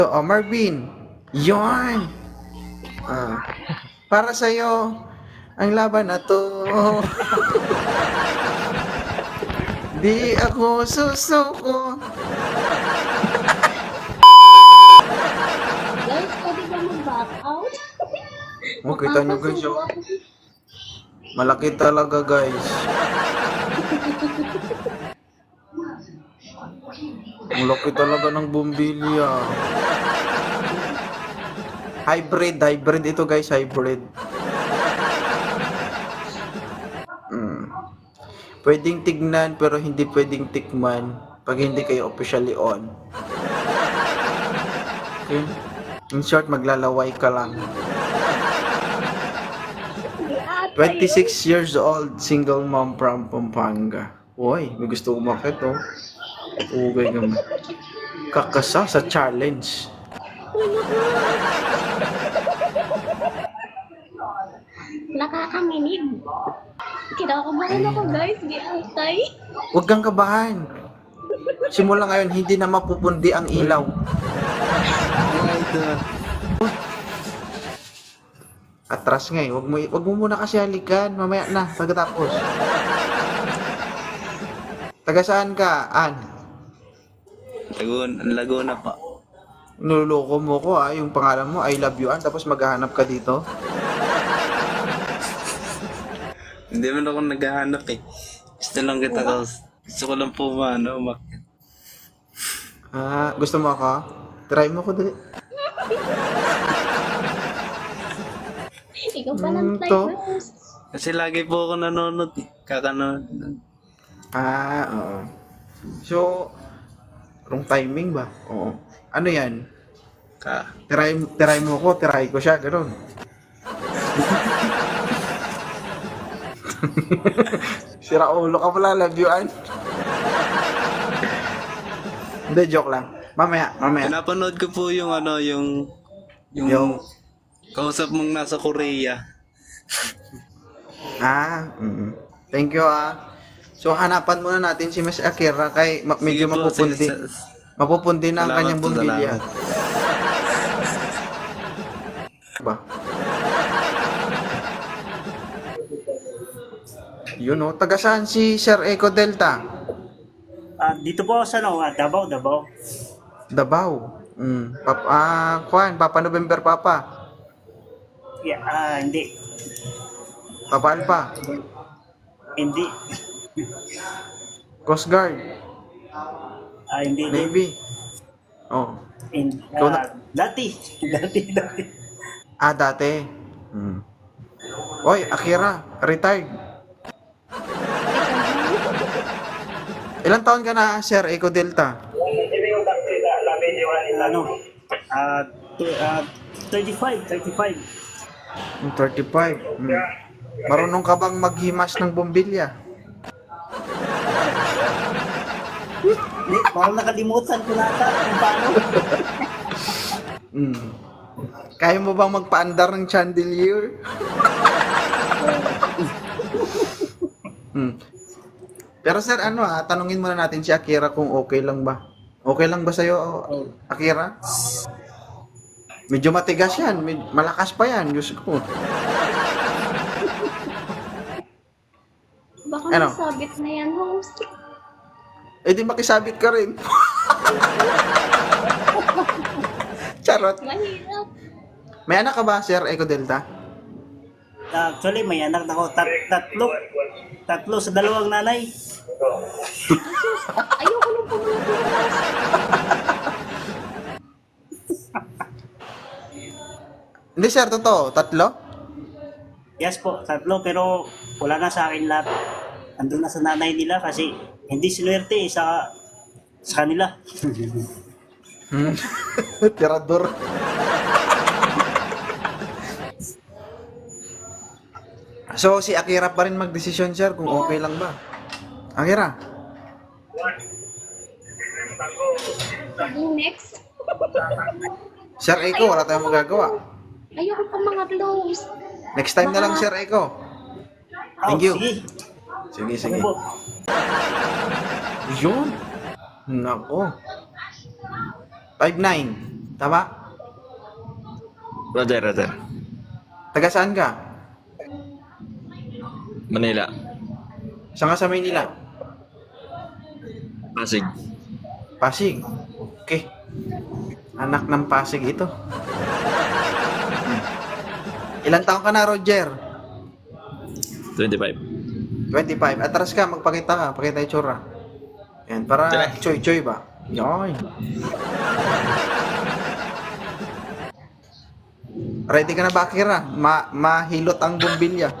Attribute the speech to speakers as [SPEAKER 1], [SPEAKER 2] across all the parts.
[SPEAKER 1] Oh, Marvin. Yon. Ah, para sa'yo, ang laban na to. Di ako susuko.
[SPEAKER 2] Guys, pwede ba mag-back out?
[SPEAKER 1] Oh, kita nyo guys, oh. Malaki talaga guys. Malaki talaga ng bumbilya. Hybrid ito guys, hybrid. Pwedeng tignan pero hindi pwedeng tikman pag hindi kayo officially on. Okay? In short, maglalaway ka lang. 26 years old, single mom from Pampanga. Uy, may gusto umakit oh. Ugay naman. Kakasa sa challenge.
[SPEAKER 2] Nakakaminig. Kinakabahan ako guys, di altay.
[SPEAKER 1] Huwag kang kabahan. Simula ngayon, hindi na mapupundi ang ilaw. Atras nga eh. Wag mo muna kasi halikan. Mamaya na, pagkatapos. Taga saan ka, An?
[SPEAKER 3] Laguna pa.
[SPEAKER 1] Nuloko mo ko yung pangalan mo, I love you, An. Tapos maghahanap ka dito.
[SPEAKER 3] Hindi man ako naghahanap eh. Gusto lang kita ko. Gusto ko lang po umakyat.
[SPEAKER 1] Gusto mo ako? Try mo ko dali.
[SPEAKER 2] Ikaw pa ng
[SPEAKER 1] to?
[SPEAKER 2] typers.
[SPEAKER 3] Kasi lagi po ako nanonood eh. Kakanood.
[SPEAKER 1] Oo. So, wrong timing ba? Oo. Ano yan? Tiray mo ko, tiray ko siya, gano'n. Sira ulo ka pala, love you, An. Hindi, joke lang. Mamaya.
[SPEAKER 3] Napanood ko po yung
[SPEAKER 1] Yung-
[SPEAKER 3] kausap mong nasa Korea.
[SPEAKER 1] Thank you, So, hanapan muna natin si Miss Akira kay medyo
[SPEAKER 3] Sige po,
[SPEAKER 1] mapupundi. Mapupundi na ang
[SPEAKER 3] Salamat
[SPEAKER 1] kanyang
[SPEAKER 3] po,
[SPEAKER 1] bumbilya.
[SPEAKER 3] salamat.
[SPEAKER 1] Ba? Yun oh, taga saan si Sir Eco Delta?
[SPEAKER 4] Dito po sa Davao.
[SPEAKER 1] Davao. Papa November Papa.
[SPEAKER 4] Yeah, hindi.
[SPEAKER 1] Papa Alpha.
[SPEAKER 4] Hindi.
[SPEAKER 1] Coast Guard.
[SPEAKER 4] Hindi.
[SPEAKER 1] Navy. Oh. Ikaw na-
[SPEAKER 4] Dati.
[SPEAKER 1] Dati. Oy, Akira, retired. Ilang taon ka na, Sir Eco Delta?
[SPEAKER 4] 35.
[SPEAKER 1] 35. Marunong ka bang maghimas ng bombilya?
[SPEAKER 4] Parang nakalimutan ko nata kung paano.
[SPEAKER 1] Kaya mo bang magpaandar ng chandelier? Pero sir, tanungin muna natin si Akira kung okay lang ba. Okay lang ba sa'yo, Akira? Medyo matigas yan. Malakas pa yan. Diyos ko.
[SPEAKER 2] Baka
[SPEAKER 1] Ano?
[SPEAKER 2] nasabit na yan, host.
[SPEAKER 1] Eh di makisabit ka rin. Charot.
[SPEAKER 2] Mahirap.
[SPEAKER 1] May anak ka ba, Sir Eco Delta?
[SPEAKER 4] Actually, may anak na ako. Tatlo sa dalawang nanay.
[SPEAKER 2] Ayoko nung pumunta.
[SPEAKER 1] Hindi, sir. Totoo. 3?
[SPEAKER 4] Yes po, tatlo. Pero wala na sa akin lahat. Andun na sa nanay nila kasi hindi sinuwerte sa kanila.
[SPEAKER 1] Tirador. So, si Akira pa rin magdesisyon, sir, kung okay lang ba. Akira?
[SPEAKER 2] Next.
[SPEAKER 1] Sir Eco, wala tayong magagawa.
[SPEAKER 2] Ayoko pa mga close.
[SPEAKER 1] Next time na lang, Sir Eco. Thank you.
[SPEAKER 4] Sige.
[SPEAKER 1] Sige.
[SPEAKER 4] Ano po?
[SPEAKER 1] Yun. Nako. 5'9". Tama?
[SPEAKER 5] Roger, Roger.
[SPEAKER 1] Taga saan ka?
[SPEAKER 5] Manila.
[SPEAKER 1] Saan ka sa Maynila?
[SPEAKER 5] Pasig.
[SPEAKER 1] Pasig. Okay. Anak ng Pasig ito. Ilan taon ka na, Roger?
[SPEAKER 5] 25.
[SPEAKER 1] 25. Atras ka, magpakita ka. Pakita yung tsura. Yan, para
[SPEAKER 5] Tara.
[SPEAKER 1] choy-choy ba? Yan. Ready ka na ba, Akira? Mahilot ang bumbilya.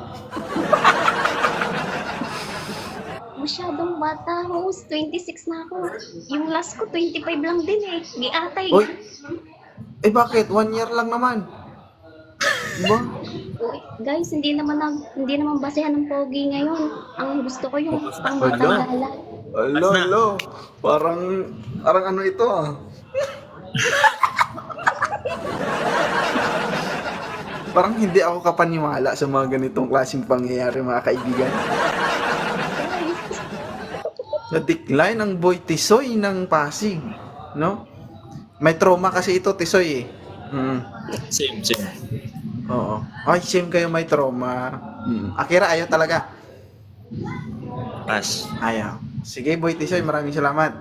[SPEAKER 2] Masyadong bata, host. 26 na ako. Yung last ko, 25 lang din eh. Giatay.
[SPEAKER 1] Uy! Eh bakit? 1 year lang naman. Diba?
[SPEAKER 2] Uy, guys, hindi naman basehan ng pogi ngayon. Ang gusto ko yung pangbatang
[SPEAKER 1] Ala.
[SPEAKER 2] gala.
[SPEAKER 1] Alo. Parang ano ito ah. Parang hindi ako kapaniwala sa mga ganitong klaseng pangyayari, mga kaibigan. Na-decline ang boy Tisoy ng Pasig, no? May trauma kasi ito, Tisoy eh.
[SPEAKER 5] Same, same.
[SPEAKER 1] Oo. Ay, same kayo may trauma. Akira, ayaw talaga.
[SPEAKER 5] Pass.
[SPEAKER 1] Ayaw. Sige, boy Tisoy, maraming salamat.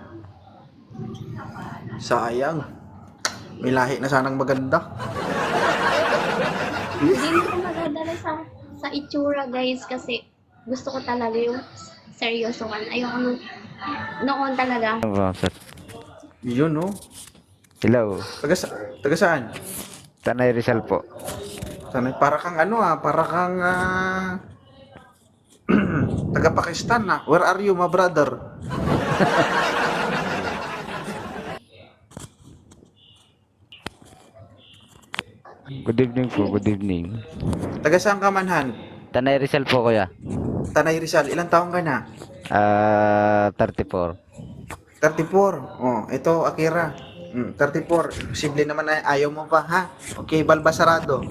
[SPEAKER 1] Sayang. May lahi na sanang maganda.
[SPEAKER 2] Hindi mo ko magdadala sa itsura, guys, kasi gusto ko talaga yung seryosohan. Ayoko noon talaga.
[SPEAKER 1] Yun, no?
[SPEAKER 6] Hello,
[SPEAKER 1] Taga saan?
[SPEAKER 6] Tanay Rizal po.
[SPEAKER 1] Sanay, para kang taga Pakistan na. Where are you, my brother?
[SPEAKER 6] Good evening po, good evening.
[SPEAKER 1] Taga saan ka, Manhan?
[SPEAKER 6] Tanay Rizal po kuya.
[SPEAKER 1] Tanay Rizal, ilang taong ka na?
[SPEAKER 6] 34.
[SPEAKER 1] 34. Oh, ito, Akira. 34. Posible naman na ayaw mo pa, ha? Okay, balbasarado.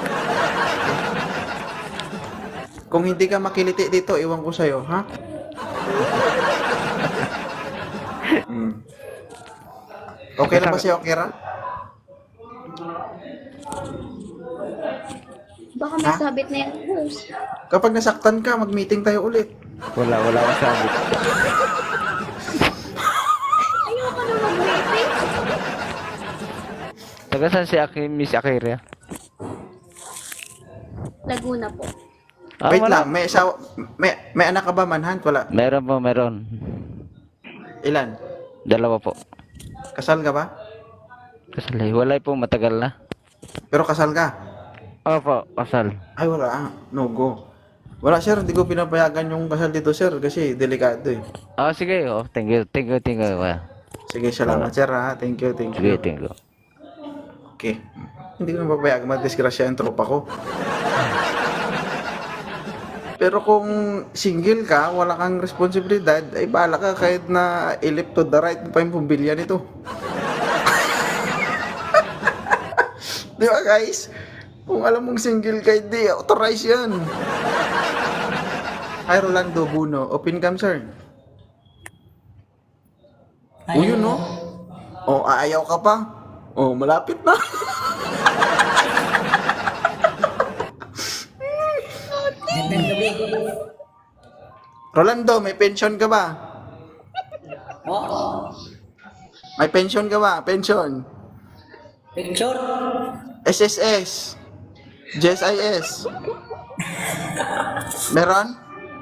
[SPEAKER 1] Kung hindi ka makiliti dito, iwan ko sa'yo, ha? Okay lang ba sa'yo, Akira?
[SPEAKER 2] Baka may sabit na yung host.
[SPEAKER 1] Kapag nasaktan ka, mag-meeting tayo ulit.
[SPEAKER 6] Wala akong sabi.
[SPEAKER 2] Ayoko na mag-meeting.
[SPEAKER 6] Taga saan si Miss Akira?
[SPEAKER 2] Laguna po.
[SPEAKER 1] Wait
[SPEAKER 6] Wala.
[SPEAKER 1] lang, may anak ka ba, Manhunt? Wala.
[SPEAKER 6] Meron po, meron.
[SPEAKER 1] Ilan?
[SPEAKER 6] 2 po.
[SPEAKER 1] Kasal ka ba?
[SPEAKER 6] Kasal. Wala po, matagal na.
[SPEAKER 1] Pero kasal ka?
[SPEAKER 6] Opo, kasal.
[SPEAKER 1] Ay, wala. No go. Wala, sir. Hindi ko pinapayagan yung kasal dito, sir. Kasi delikado eh.
[SPEAKER 6] Sige. Thank you. Kuya.
[SPEAKER 1] Sige, salamat, sir, ha. Thank you, thank
[SPEAKER 6] Sige,
[SPEAKER 1] you.
[SPEAKER 6] thank you.
[SPEAKER 1] Okay. Hindi ko napapayagan. Madisgrasya yung tropa ko. Pero kung single ka, wala kang responsibilidad, ay bahala ka kahit na ilip to the right pa yung pumbilya nito. Di ba, guys? Kung alam mong single ka, hindi, authorize yan. Hi, Rolando Buno. Open cam, sir. O, yun, no? O, ayaw ka pa? O, malapit na. Rolando, may pension ka ba? May pension ka ba? Pension.
[SPEAKER 7] Picture?
[SPEAKER 1] SSS. JSIS. Meron?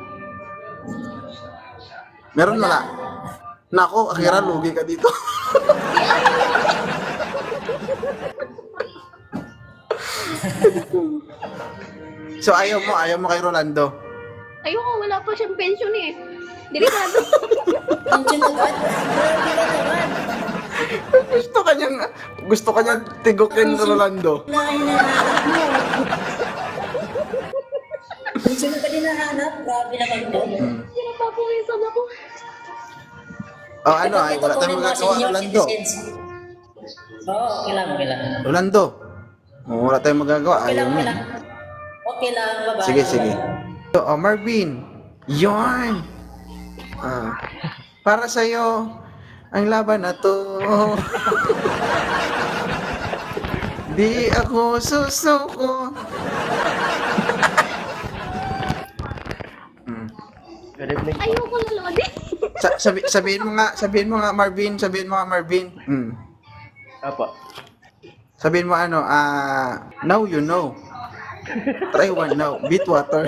[SPEAKER 1] Meron wala? Nako, Akira, lugi ka dito. So ayaw mo kay Rolando.
[SPEAKER 2] Ayoko, wala pa siyang pension eh. Delikado.
[SPEAKER 7] Pension agad? Grabe ka naman.
[SPEAKER 1] Gusto kanyang tigukin Rolando.
[SPEAKER 7] Hinahanap mo. Pension ka din nahanap? Grabe naman to.
[SPEAKER 2] Pinapapawisan ako.
[SPEAKER 1] Oh, ano ay, wala tayong magagawa, Rolando.
[SPEAKER 7] Oo, okay lang.
[SPEAKER 1] Rolando. Oh, wala tayong magagawa, ayaw mo.
[SPEAKER 7] Okay lang, babae.
[SPEAKER 1] Sige. So, Marvin. Yon. Para sa'yo, ang laban na to. Di ako susuko.
[SPEAKER 2] Ayoko na Lodi.
[SPEAKER 1] Sabihin mo nga Marvin,
[SPEAKER 5] Apa.
[SPEAKER 1] Sabihin mo ano, now you know. Try one now, beat water.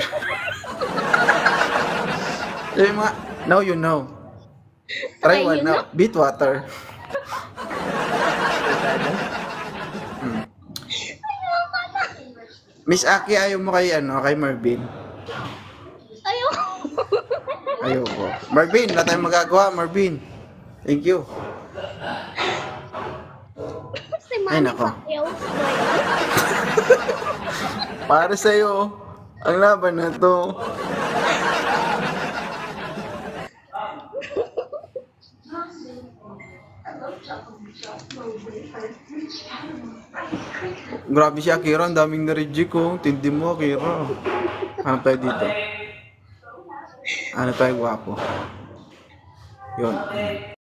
[SPEAKER 1] Sabihin mo nga, now you know. Try
[SPEAKER 2] Try
[SPEAKER 1] one
[SPEAKER 2] you
[SPEAKER 1] now, beat water. Miss Aki, ayaw mo kay Marvin.
[SPEAKER 2] Ayoko.
[SPEAKER 1] Ayoko. Marvin, wala tayong magagawa, Marvin. Thank you.
[SPEAKER 2] Si
[SPEAKER 1] Ay,
[SPEAKER 2] Manny
[SPEAKER 1] nako.
[SPEAKER 2] Pacquiao.
[SPEAKER 1] Para sa'yo, ang laban na to. Grabe si Akira, ang daming na-reject ko. Tindi mo, Akira. Ano tayo dito? Ano tayo, gwapo? Yun.